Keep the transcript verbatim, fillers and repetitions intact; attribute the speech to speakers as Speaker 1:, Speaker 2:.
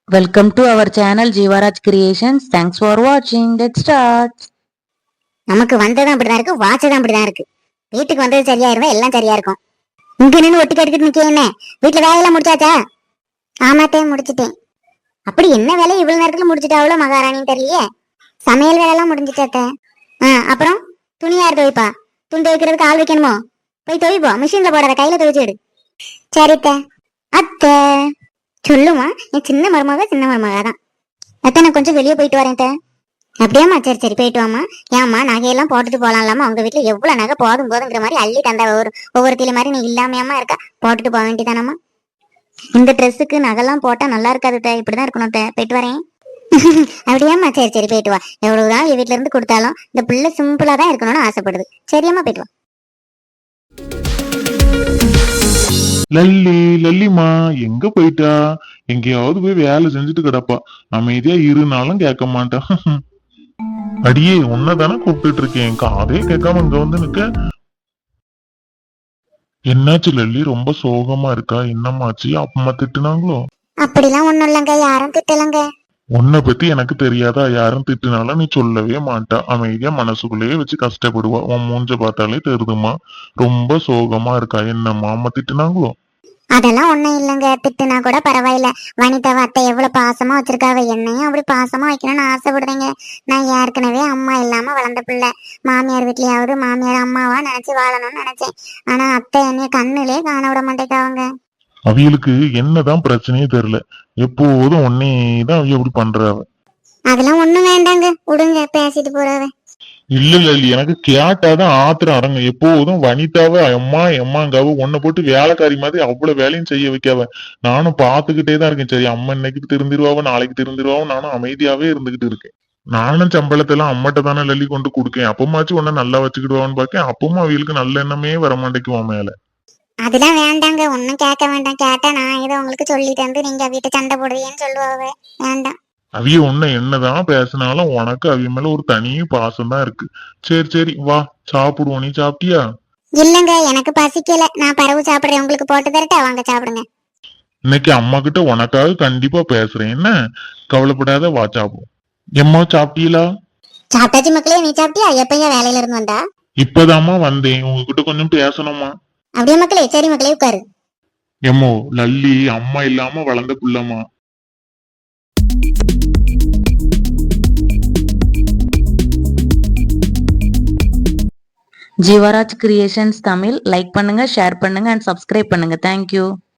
Speaker 1: Welcome to our channel Jeevaraj Creations. Thanks for watching. Let's start.
Speaker 2: நமக்கு வந்ததும் அப்படிதான் இருக்கு, வாச்சதும் அப்படிதான் இருக்கு. வீட்டுக்கு வந்தது சரியா இருந்தா எல்லாம் சரியா இருக்கும். இங்க நின்று ஒட்டி கட்டிக்கிட்டு நிக்க என்ன? வீட்டுல வேலையெல்லாம் முடிச்சாச்சா? ஆமாத்தே முடிச்சிட்டேன். அப்படி என்ன வேலை இவ்வளவு நேரத்துல முடிச்சிட்டாவளோ மகாராணின்னு தெரியலையே. சமையல் வேலை எல்லாம் முடிஞ்சிச்சாத்தே. ஆஹ் அப்புறம் துணி யார் துவைப்பா? துணி துவைக்கிறதுக்கு ஆள் வைக்கணுமோ? போய் துவைப்போ, மிஷின்ல போடாத, கையில துவைச்சு எடு. சரித்த. அத்தை சொல்லுமா, என் சின்ன மருமக சின்ன மருமக தான். அத்தை நான் கொஞ்சம் வெளியே போயிட்டு வரேன். அப்படியாம்மா, சரி சரி போயிட்டு வாமா. ஏம்மா நகையெல்லாம் போட்டுட்டு போலாம்லாமா? உங்க வீட்டுல எவ்வளவு நகை போதும் போதுங்கிற மாதிரி அள்ளி தந்தா ஒரு ஒவ்வொருத்தில மாதிரி நீ இல்லாமையாமா இருக்கா? போட்டுட்டு போக வேண்டியதானம்மா. இந்த ட்ரெஸ்ஸுக்கு நகைலாம் போட்டா நல்லா இருக்காது, இப்படிதான் இருக்கணும். போயிட்டு வரேன். அப்படியாம்மா, சரி சரி போயிட்டு வா. எவ்வளவுதான் வீட்டுல இருந்து கொடுத்தாலும் இந்த பிள்ளை சிம்பிளா தான் இருக்கணும்னு ஆசைப்படுது. சரியாம்மா, போயிட்டு வா.
Speaker 3: லல்லி லல்லிமா எங்க போயிட்டா? எங்கேயாவது போய் வேலை செஞ்சுட்டு கிடப்பா. அமைதியா இருந்தாலும் கேட்க மாட்டா. அடியே உன்னதானே கூப்பிட்டு இருக்கேன், காதே கேட்காம இங்க வந்து நிக்க. என்னாச்சு லல்லி, ரொம்ப சோகமா இருக்கா? என்னமாச்சு? அம்மா திட்டுனாங்களோ?
Speaker 2: அப்படிலாம் ஒண்ணும் இல்லங்க, யாரும் திட்டலங்க.
Speaker 3: உன்னை பத்தி எனக்கு தெரியாதா? யாரும் திட்டுனாலும் நீ சொல்லவே மாட்டா, அமைதியா மனசுக்குள்ளேயே வச்சு கஷ்டப்படுவா. உன் மூஞ்ச பார்த்தாலே தெரியுதுமா, ரொம்ப சோகமா இருக்கா. என்னம்மா அம்மா திட்டுனாங்களோ?
Speaker 2: அதெல்லாம் ஒண்ணும் இல்லைங்க, திட்டுனா கூட பரவாயில்ல. வனிதாவை அத்தை எவ்வளவு பாசமா வச்சிருக்காவ, என்னையும் அப்படி பாசமா வைக்கணும்னு ஆசைப்படுறீங்க. நான் ஏற்கனவே அம்மா இல்லாம வளர்ந்த பிள்ளை. மாமியார் வீட்லயாவது மாமியார் அம்மாவா நினைச்சு வாழணும்னு நினைச்சேன். ஆனா அத்தை என்னைய கண்ணுலே காண விட மாட்டேக்காவங்க.
Speaker 3: அவியலுக்கு என்னதான் பிரச்சனையே தெரியல, எப்போதும் ஒன்னேதான் அவிய அப்படி பண்றாவ.
Speaker 2: அதெல்லாம் ஒண்ணும் வேண்டாங்க, விடுங்க, பேசிட்டு போறாவ.
Speaker 3: இல்ல இல்ல, எனக்கு கேட்டாதான் ஆத்திரம் அடங்க. எப்போதும் வனிதாவ அம்மா அம்மாங்காவ உன்னை போட்டு வேலைக்காரி மாதிரி அவ்வளவு வேலையும் செய்ய வைக்காவ. நானும் பாத்துக்கிட்டே தான் இருக்கேன். சரி, அம்மா இன்னைக்கு திருந்திருவாவ, நாளைக்கு திருந்திருவாவ, நானும் அமைதியாவே இருந்துகிட்டு இருக்கேன். நானும் சம்பளத்தை எல்லாம் அம்மட்ட தானே லல்லி கொண்டு கொடுக்கேன். அப்பமாச்சும் உன்ன நல்லா வச்சுக்கிடுவான்னு பாக்கேன். அப்பவும் அவங்களுக்கு நல்ல எண்ணமே வரமாட்டேக்குவான் மேல.
Speaker 2: அதெல்லாம் வேண்டாங்க, ஒன்னும் கேட்க வேண்டாம். கேட்டா நான் ஏதோ உங்களுக்கு சொல்லிட்டு வந்து நீங்க வீட்டை சண்டை போடுவீங்கன்னு சொல்லுவாவ. வேண்டாம்.
Speaker 3: அவிய உன்ன என்னதான் பேசினாலும் உனக்கு அவிய மேல ஒரு தனி பாசம் தான் இருக்கு. சரி சரி வா சாப்பிடுவோம். நீ சாப்பிட்டியா?
Speaker 2: இல்லங்க, எனக்கு பசிக்கல. நான் பறவு சாப்பிடுறேன், உங்களுக்கு போட்டு தரட்டா? வாங்க சாப்பிடுங்க.
Speaker 3: இன்னைக்கு அம்மா கிட்ட உனக்காக கண்டிப்பா பேசுறேன், என்ன கவலைப்படாத, வா சாப்பிடுவோம். எம்மா சாப்பிட்டீங்களா?
Speaker 2: சாப்பிட்டாச்சு மக்களே. நீ சாப்பிட்டியா? எப்பயா வேலையில இருந்து வந்தா?
Speaker 3: இப்பதாம்மா வந்தேன், உங்ககிட்ட கொஞ்சம் பேசணுமா?
Speaker 2: அப்படியே மக்களே. சரி மக்களே, உட்காரு.
Speaker 3: எம்மோ லல்லி அம்மா இல்லாம வளர்ந்த புள்ளம்மா.
Speaker 1: Jeevaraj Creations Tamil like பண்ணுங்க, ஷேர் பண்ணுங்க and subscribe பண்ணுங்க. Thank you.